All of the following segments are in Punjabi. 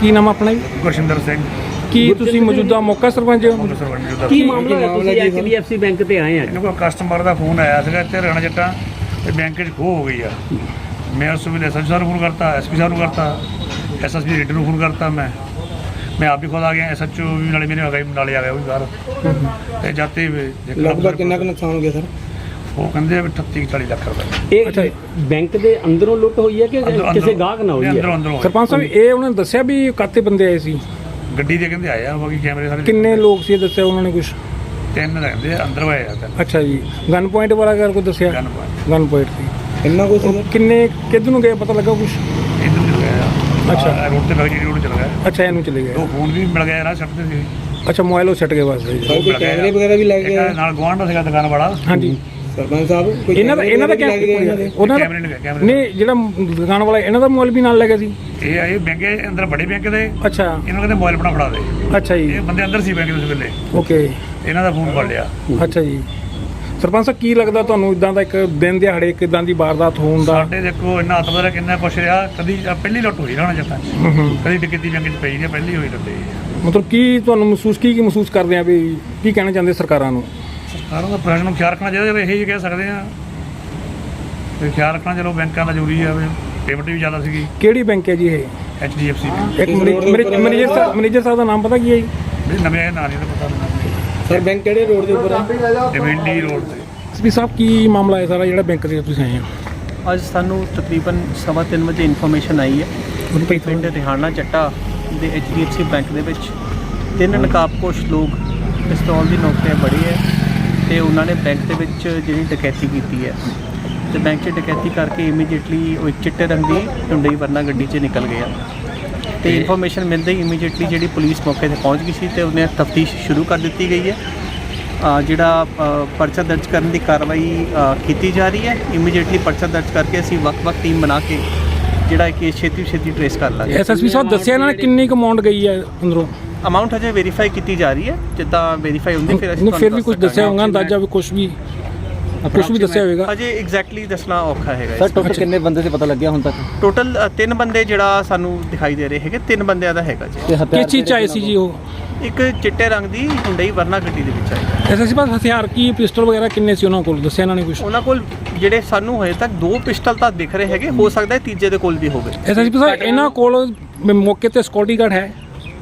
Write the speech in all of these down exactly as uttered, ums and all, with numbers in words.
ਕੀ ਨਾਮ ਆਪਣਾ ਜੀ? ਗੁਰਸ਼ਿੰਦਰ ਸਿੰਘ। ਕੀ ਤੁਸੀਂ ਮੌਜੂਦਾ ਮੌਕਾ ਸਰਪੰਚ ਹੋ? ਕੀ ਮਾਮਲਾ ਹੈ? ਤੁਸੀਂ H D F C bank ਤੇ ਆਏ ਆ। ਇਹਨਾਂ ਕੋਲ ਕਸਟਮਰ ਦਾ ਫੋਨ ਆਇਆ ਸੀਗਾ ਇੱਥੇ ਰਾਣਾ ਜੱਟਾਂ ਤੇ ਬੈਂਕ 'ਚ ਖੋਹ ਹੋ ਗਈ ਆ। ਮੈਂ ਉਸ ਵੇਲੇ ਐਸ ਐਸ ਸਾਹਿਬ ਨੂੰ ਫੋਨ ਕਰਤਾ, ਐਸ ਪੀ ਸਾਹਿਬ ਨੂੰ ਕਰਤਾ, ਐਸ ਐਸ ਪੀ ਰੇਡਰ ਨੂੰ ਫੋਨ ਕਰਤਾ। ਮੈਂ ਮੈਂ ਆਪ ਵੀ ਖੁਦ ਆ ਗਿਆ, ਐਸ ਐਚ ਓ ਵੀ ਨਾਲੇ ਮੇਰੇ ਆ ਗਿਆ, ਨਾਲੇ ਆ ਗਿਆ ਉਹ ਵੀ ਬਾਹਰ। ਤੇ ਜਾਤੇ ਲਗਭਗ ਕਿੰਨਾ ਕੁ ਨੁਕਸਾਨ ਹੋ ਗਿਆ ਸਰ? ਉਹ ਕਹਿੰਦੇ ਵੀ ਅਠੱਤੀ ਚਾਲੀ ਲੱਖ ਰੁਪਏ। ਇਹ ਬੈਂਕ ਦੇ ਅੰਦਰੋਂ ਲੁੱਟ ਹੋਈ ਹੈ ਕਿ ਕਿਸੇ ਗਾਹਕ ਨਾਲ ਹੋਈ ਹੈ? ਅੰਦਰੋਂ ਅੰਦਰੋਂ ਸਰਪੰਚ ਸਾਹਿਬ ਇਹ ਉਹਨਾਂ ਨੇ ਦੱਸਿਆ ਵੀ ਕਾਤੇ ਬੰਦੇ ਆਏ ਸੀ? ਗੱਡੀ ਦੇ ਕਹਿੰਦੇ ਆਏ ਆ, ਬਾਕੀ ਕੈਮਰੇ ਸਾਰੇ ਕਿੰਨੇ ਲੋਕ ਸੀ ਦੱਸਿਆ ਉਹਨਾਂ ਨੇ ਕੁਝ? ਤਿੰਨ ਰਹਿੰਦੇ ਆ, ਅੰਦਰ ਆਏ ਆ ਤਿੰਨ। ਅੱਛਾ ਜੀ, ਗਨ ਪੁਆਇੰਟ ਵਾਲਾ ਕਰ ਕੋਈ ਦੱਸਿਆ? ਗਨ ਪੁਆਇੰਟ ਗਨ ਪੁਆਇੰਟ ਸੀ। ਇੰਨਾ ਕੁ ਸਰ? ਕਿੰਨੇ ਕਿੱਧਰ ਨੂੰ ਗਏ ਪਤਾ ਲੱਗਾ ਕੁਝ? ਇੱਧਰ ਚਲ ਗਿਆ। ਅੱਛਾ। ਰੋਡ ਤੇ ਲੱਗ ਜੀ ਰੋਡ ਚਲ ਗਿਆ। ਅੱਛਾ, ਇਹਨੂੰ ਚਲੇ ਗਏ। ਦੋ ਫੋਨ ਵੀ ਮਿਲ ਗਏ ਨਾ ਛੱਡਦੇ ਸੀ। ਅੱਛਾ, ਮੋਬਾਈਲ ਉਹ ਛੱਡ ਗਏ ਬਸ ਜੀ। ਕੋਈ ਕੈਮਰੇ ਵਗੈਰਾ ਵੀ ਲੱਗ ਇੱਕ ਗਿਆ ਨਾਲ ਗੁਆਂਢ ਦਾ ਸੀਗਾ ਦੁਕਾਨ ਵਾਲਾ। ਹਾਂਜੀ ਸਰਪੰਚ ਸਾਹਿਬ, ਕੋਈ ਇਹਨਾਂ ਦਾ ਇਹਨਾਂ ਦਾ ਕੈਮਰੇ ਕੈਮਰਾ ਉਹਨਾਂ ਦਾ ਕੈਮਰੇ ਨੇ ਕੈਮਰੇ ਨਹੀਂ, ਜਿਹੜਾ ਦੁਕਾਨ ਵਾਲਾ ਇਹਨਾਂ ਦਾ ਮੋਬਾਈਲ ਵੀ ਨਾਲ ਲੈ ਗਿਆ ਸੀ? ਇਹ ਆਏ ਬੈਂਕ ਦੇ ਅੰਦਰ, ਬੜੇ ਬੈਂਕ ਦੇ। ਅੱਛਾ ਇਹਨਾਂ ਨੂੰ ਕਹਿੰਦੇ ਮੋਬਾਈਲ ਬਣਾ ਫੜਾ ਦੇ। ਅੱਛਾ ਜੀ, ਇਹ ਬੰਦੇ ਅੰਦਰ ਸੀ ਬੈਂਕ ਦੇ ਉਸ ਵੇਲੇ। ਓਕੇ। ਇਹਨਾਂ ਦਾ ਫੋਨ ਫੜ ਲਿਆ। ਅੱਛਾ ਜੀ, ਸਰਪੰਚ ਸਾਹਿਬ ਕੀ ਲੱਗਦਾ ਤੁਹਾਨੂੰ ਇਦਾਂ ਦਾ ਇੱਕ ਦਿਨ ਦਿਹਾੜੇ ਇੱਕ ਇਦਾਂ ਦੀ ਵਾਰਦਾਤ ਹੋਣ ਦਾ? ਸਾਡੇ ਦੇਖੋ ਇੰਨਾ ਹੱਥ ਦਾ ਕਿੰਨਾ ਕੁਛ ਰਿਹਾ। ਕਦੀ ਆਹ ਪਹਿਲੀ ਲੁੱਟ ਹੋਈ ਰਾਣਾ ਜੱਟਾਂ 'ਚ। ਹੂੰ ਹੂੰ। ਕਦੀ ਡਕੈਤੀ ਬੈਂਕ 'ਚ ਪਈ ਨਹੀਂ, ਪਹਿਲੀ ਹੋਈ ਲੁੱਟ। ਮਤਲਬ ਕੀ ਤੁਹਾਨੂੰ ਮਹਿਸੂਸ ਕੀ ਕੀ ਮਹਿਸੂਸ ਕਰਦੇ ਆ ਵੀ ਕੀ ਕਹਿਣਾ ਚਾਹੁੰਦੇ ਸਰਕਾਰਾਂ ਨੂੰ? ਸਰਕਾਰਾਂ ਦਾ ਪ੍ਰਸ਼ਾਸਨ ਨੂੰ ਖਿਆਲ ਰੱਖਣਾ ਚਾਹੀਦਾ। ਇਹੀ ਕਹਿ ਸਕਦੇ ਆ ਤੇ ਖਿਆਲ ਰੱਖਣਾ। ਚਲੋ ਬੈਂਕਾਂ ਦਾ ਜ਼ਰੂਰੀ ਆ, ਪੇਮੈਂਟ ਵੀ ਜ਼ਿਆਦਾ ਸੀਗੀ। ਕਿਹੜੀ ਬੈਂਕ ਹੈ ਜੀ ਇਹ? ਐਚ ਡੀ ਐਫ ਸੀ ਇੱਕ ਮੈਨੇਜਰ ਸਾਹਿਬ ਮੈਨੇਜਰ ਸਾਹਿਬ ਦਾ ਨਾਮ ਪਤਾ ਕੀ ਹੈ ਜੀ? ਨਵੇਂ ਆਏ ਨਾਂ ਨਹੀਂ ਤਾਂ ਪਤਾ ਨਹੀਂ। ਸਰ ਬੈਂਕ ਕਿਹੜੇ ਰੋਡ ਦੇ ਉੱਪਰ ਆ? ਡਿਵੈਂਡੀ ਰੋਡ ਤੇ। ਐਸ ਪੀ ਸਾਹਿਬ ਕੀ ਮਾਮਲਾ ਹੈ ਸਾਰਾ ਜਿਹੜਾ ਬੈਂਕ ਦੇ ਤੁਸੀਂ ਆਏ ਹੋ? ਅੱਜ ਸਾਨੂੰ ਤਕਰੀਬਨ ਸਵਾ ਤਿੰਨ ਵਜੇ ਇਨਫੋਰਮੇਸ਼ਨ ਆਈ ਹੈ ਕਿ ਪਿੰਡ ਰਿਹਾਨਾ ਚੱਟਾ ਦੇ H D F C bank ਦੇ ਵਿੱਚ ਤਿੰਨ ਨਕਾਬਪੋਸ਼ ਲੋਕ ਪਿਸਤੌਲ ਦੀ ਨੋਕ 'ਤੇ ਬੜੇ ਹੈ ਤੇ ਉਹਨਾਂ ਨੇ ਬੈਂਕ ਦੇ ਵਿੱਚ ਜਿਹੜੀ ਡਕੈਤੀ ਕੀਤੀ ਹੈ ਤੇ ਬੈਂਕ 'ਚ ਡਕੈਤੀ ਕਰਕੇ ਇਮੀਡੀਏਟਲੀ ਉਹ ਇੱਕ ਚਿੱਟੇ ਰੰਗ ਦੀ ਟੁੰਡਈ ਵਰਨਾ ਗੱਡੀ 'ਚ ਨਿਕਲ ਗਿਆ ਤੇ ਇਨਫੋਰਮੇਸ਼ਨ ਮਿਲਦੇ ਹੀ ਇਮੀਡੀਏਟਲੀ ਜਿਹੜੀ ਪੁਲਿਸ ਮੌਕੇ 'ਤੇ ਪਹੁੰਚ ਗਈ ਸੀ ਤੇ ਉਹਨੇ ਤਫਤੀਸ਼ ਸ਼ੁਰੂ ਕਰ ਦਿੱਤੀ ਗਈ ਹੈ। ਜਿਹੜਾ ਪਰਚਾ ਦਰਜ ਕਰਨ ਦੀ ਕਾਰਵਾਈ ਕੀਤੀ ਜਾ ਰਹੀ ਹੈ। ਇਮੀਡੀਏਟਲੀ ਪਰਚਾ ਦਰਜ ਕਰਕੇ ਅਸੀਂ ਵੱਖ-ਵੱਖ ਟੀਮ ਬਣਾ ਕੇ ਜਿਹੜਾ ਕੇਸ ਛੇਤੀ ਛੇਤੀ ਟ੍ਰੇਸ ਕਰ ਲਾਂਗੇ। ਐਸ ਐਸ ਪੀ ਸਾਹਿਬ ਦੱਸਿਆ ਇਹਨਾਂ ਨੇ ਕਿੰਨੀ ਕੁ ਅਮਾਉਂਟ ਗਈ ਹੈ ਅੰਦਰੋਂ? ਅਮਾਊਂਟ ਹਜੇ ਵੈਰੀਫਾਈ ਕੀਤੀ ਜਾ ਰਹੀ ਹੈ, ਜਿੱਦਾਂ ਵੈਰੀਫਾਈ ਹੁੰਦੀ ਫਿਰ ਅਸੀਂ ਫਿਰ ਵੀ ਕੁਝ ਦੱਸਿਆ ਹੋਊਗਾ ਅੰਦਾਜ਼ਾ ਵੀ ਕੁਝ ਵੀ ਕੁਝ ਵੀ ਦੱਸਿਆ ਹੋਵੇਗਾ? ਹਜੇ ਐਗਜ਼ੈਕਟਲੀ ਦੱਸਣਾ ਔਖਾ ਹੈਗਾ। ਸਰ ਟੋਟਲ ਕਿੰਨੇ ਬੰਦੇ ਤੇ ਪਤਾ ਲੱਗਿਆ ਹੁਣ ਤੱਕ? ਟੋਟਲ ਤਿੰਨ ਬੰਦੇ ਜਿਹੜਾ ਸਾਨੂੰ ਦਿਖਾਈ ਦੇ ਰਹੇ ਹੈਗੇ, ਤਿੰਨ ਬੰਦਿਆਂ ਦਾ ਹੈਗਾ ਜੀ। ਕਿਸ ਚੀਜ਼ 'ਚ ਆਏ ਸੀ ਜੀ ਉਹ? ਇੱਕ ਚਿੱਟੇ ਰੰਗ ਦੀ ਹੁੰਡਈ ਵਰਨਾ ਗੱਡੀ ਦੇ ਵਿੱਚ ਆਈ। ਐਸ ਐਸ ਪੀ ਸਾਹਿਬ ਹਥਿਆਰ ਕੀ ਪਿਸਟਲ ਵਗੈਰਾ ਕਿੰਨੇ ਸੀ ਉਹਨਾਂ ਕੋਲ, ਦੱਸਿਆ ਇਹਨਾਂ ਨੇ ਕੁਝ? ਉਹਨਾਂ ਕੋਲ ਜਿਹੜੇ ਸਾਨੂੰ ਹਜੇ ਤੱਕ ਦੋ ਪਿਸਟਲ ਤਾਂ ਦਿਖ ਰਹੇ ਹੈਗੇ, ਹੋ ਸਕਦਾ ਹੈ ਤੀਜੇ ਦੇ ਕੋਲ ਵੀ ਹੋਵੇ। ਐਸ ਐਸ ਪੀ ਸਾਹਿਬ ਇਹਨਾਂ ਕੋਲ ਮੌਕੇ ਤੇ ਸਿਕਿਉਰਿਟੀ ਗਾਰਡ ਹੈ?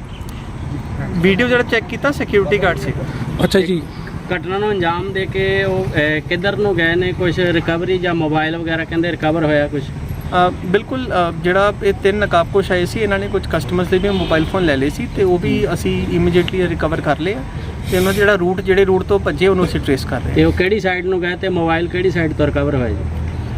ਵੀਡੀਓ ਜਿਹੜਾ ਚੈੱਕ ਕੀਤਾ ਸਿਕਿਉਰਿਟੀ ਗਾਰਡ ਸੀਗਾ। ਅੱਛਾ ਜੀ। ਘਟਨਾ ਨੂੰ ਅੰਜਾਮ ਦੇ ਕੇ ਉਹ ਕਿੱਧਰ ਨੂੰ ਗਏ ਨੇ? ਕੁਝ ਰਿਕਵਰੀ ਜਾਂ ਮੋਬਾਈਲ ਵਗੈਰਾ ਕਹਿੰਦੇ ਰਿਕਵਰ ਹੋਇਆ ਕੁਝ? ਬਿਲਕੁਲ, ਜਿਹੜਾ ਇਹ ਤਿੰਨ ਨਕਾਬਪੋਸ਼ ਆਏ ਸੀ ਇਹਨਾਂ ਨੇ ਕੁਝ ਕਸਟਮਰਸ ਦੇ ਵੀ ਮੋਬਾਈਲ ਫੋਨ ਲੈ ਲਏ ਸੀ ਤੇ ਉਹ ਵੀ ਅਸੀਂ ਇਮੀਡੀਏਟਲੀ ਰਿਕਵਰ ਕਰ ਲਏ ਆ ਤੇ ਉਹਨਾਂ ਜਿਹੜਾ ਰੂਟ ਜਿਹੜੇ ਰੂਟ ਤੋਂ ਭੱਜੇ ਉਹਨੂੰ ਅਸੀਂ ਟ੍ਰੇਸ ਕਰ ਰਹੇ ਤੇ ਉਹ ਕਿਹੜੀ ਸਾਈਡ ਨੂੰ ਗਏ ਤੇ ਮੋਬਾਈਲ ਕਿਹੜੀ ਸਾਈਡ ਤੋਂ ਰਿਕਵਰ ਹੋਇਆ ਜੀ?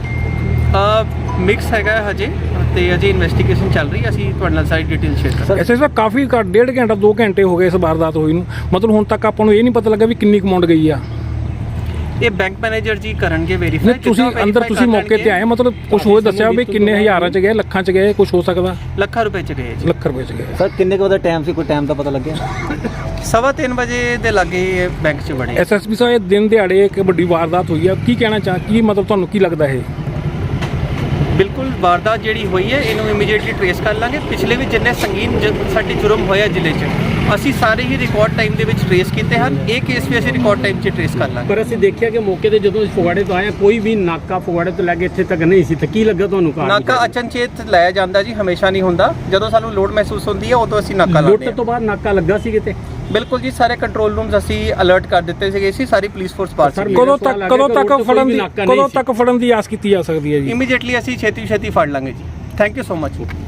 ਮਿਕਸ ਹੈਗਾ ਹਜੇ ਤੇ ਅਜੇ ਇਨਵੈਸਟੀਗੇਸ਼ਨ ਚੱਲ ਰਹੀ ਹੈ। ਅਸੀਂ ਤੁਹਾਡੇ ਨਾਲ ਸਾਰੀ ਡਿਟੇਲ ਸ਼ੇਅਰ ਕਰਾਂਗੇ। ਐਸ ਐਸ ਪੀ ਕਾਫੀ ਘੱਟ ਡੇਢ ਘੰਟਾ ਦੋ ਘੰਟੇ ਹੋ ਗਏ ਇਸ ਵਾਰਦਾਤ ਹੋਈ ਨੂੰ, ਮਤਲਬ ਹੁਣ ਤੱਕ ਆਪਾਂ ਨੂੰ ਇਹ ਨਹੀਂ ਪਤਾ ਲੱਗਾ ਵੀ ਕਿੰਨੀ ਅਮਾਉਂਟ ਗਈ ਆ। ਇਹ ਬੈਂਕ ਮੈਨੇਜਰ ਜੀ ਕਰਨਗੇ ਵੈਰੀਫਾਈ। ਨਹੀਂ ਤੁਸੀਂ ਅੰਦਰ ਤੁਸੀਂ ਮੌਕੇ ਤੇ ਆਏ, ਮਤਲਬ ਕੁਝ ਹੋਰ ਦੱਸਿਆ ਵੀ ਕਿੰਨੇ ਹਜ਼ਾਰਾਂ 'ਚ ਗਏ, ਲੱਖਾਂ 'ਚ ਗਏ, ਕੁਝ ਹੋ ਸਕਦਾ? ਲੱਖਾਂ ਰੁਪਏ 'ਚ ਗਏ ਜੀ। ਲੱਖ ਰੁਪਏ 'ਚ ਗਏ। ਸਰ ਕਿੰਨੇ ਕੁ ਦਾ ਟਾਈਮ ਸੀ, ਕੋਈ ਟਾਈਮ ਦਾ ਪਤਾ ਲੱਗਿਆ? ਸਵਾ ਤਿੰਨ ਵਜੇ ਦੇ ਲਾਗੇ ਬੈਂਕ 'ਚ ਬਣੇ। ਐਸ ਐਸ ਪੀ ਸਾਹਿਬ ਇਹ ਦਿਨ ਦਿਹਾੜੇ ਇੱਕ ਵੱਡੀ ਵਾਰਦਾਤ ਹੋਈ ਆ, ਕੀ ਕਹਿਣਾ ਚਾਹ ਕੀ ਮਤਲਬ ਤੁਹਾਨੂੰ ਕੀ ਲੱਗਦਾ ਇਹ? ਬਿਲਕੁਲ ਵਾਰਦਾਤ ਜਿਹੜੀ ਹੋਈ ਹੈ ਇਹਨੂੰ ਇਮੀਡੀਏਟਲੀ ਟ੍ਰੇਸ ਕਰ ਲਾਂਗੇ। ਪਿਛਲੇ ਵੀ ਜਿੰਨੇ ਸੰਗੀਨ ਸਾਡੇ ਜੁਰਮ ਹੋਇਆ ਜ਼ਿਲ੍ਹੇ 'ਚ ਅਸੀਂ ਸਾਰੇ ਹੀ ਰਿਕਾਰਡ ਟਾਈਮ ਦੇ ਵਿੱਚ ਟ੍ਰੇਸ ਕੀਤੇ ਹਨ। ਇਹ ਕੇਸ ਵੀ ਅਸੀਂ ਰਿਕਾਰਡ ਟਾਈਮ 'ਚ ਟ੍ਰੇਸ ਕਰ ਲਾਂਗੇ। ਪਰ ਅਸੀਂ ਦੇਖਿਆ ਕਿ ਮੌਕੇ ਤੇ ਜਦੋਂ ਫਗਵਾੜੇ ਤੋਂ ਆਏ ਕੋਈ ਵੀ ਨਾਕਾ ਫਗਵਾੜੇ ਤੋਂ ਲੈ ਕੇ ਇੱਥੇ ਤੱਕ ਨਹੀਂ ਸੀ, ਤੇ ਕੀ ਲੱਗਾ ਤੁਹਾਨੂੰ? ਨਾਕਾ ਅਚਨਚੇਤ ਲਾਇਆ ਜਾਂਦਾ ਜੀ, ਹਮੇਸ਼ਾ ਨਹੀਂ ਹੁੰਦਾ। ਜਦੋਂ ਸਾਨੂੰ ਲੋਡ ਮਹਿਸੂਸ ਹੁੰਦੀ ਹੈ ਉਦੋਂ ਅਸੀਂ ਨਾਕਾ ਲਾਉਂਦੇ ਹਾਂ। ਲੁੱਟ ਤੋਂ ਬਾਅਦ ਨਾਕਾ ਲੱਗਾ ਸੀ ਕਿਤੇ? ਬਿਲਕੁਲ ਜੀ, ਸਾਰੇ ਕੰਟਰੋਲ ਰੂਮਸ ਅਸੀਂ ਅਲਰਟ ਕਰ ਦਿੱਤੇ ਸੀਗੇ ਸੀ, ਸਾਰੀ ਪੁਲਿਸ ਫੋਰਸ ਬਾਹਰ ਸੀ। ਕਦੋਂ ਤੱਕ ਕਦੋਂ ਤੱਕ ਫੜਨ ਦੀ ਕਦੋਂ ਤੱਕ ਫੜਨ ਦੀ ਆਸ ਕੀਤੀ ਜਾ ਸਕਦੀ ਹੈ ਜੀ? ਇਮੀਡੀਏਟਲੀ ਅਸੀਂ ਛੇਤੀ ਛੇਤੀ ਫੜ ਲਾਂਗੇ ਜੀ। Thank you so much.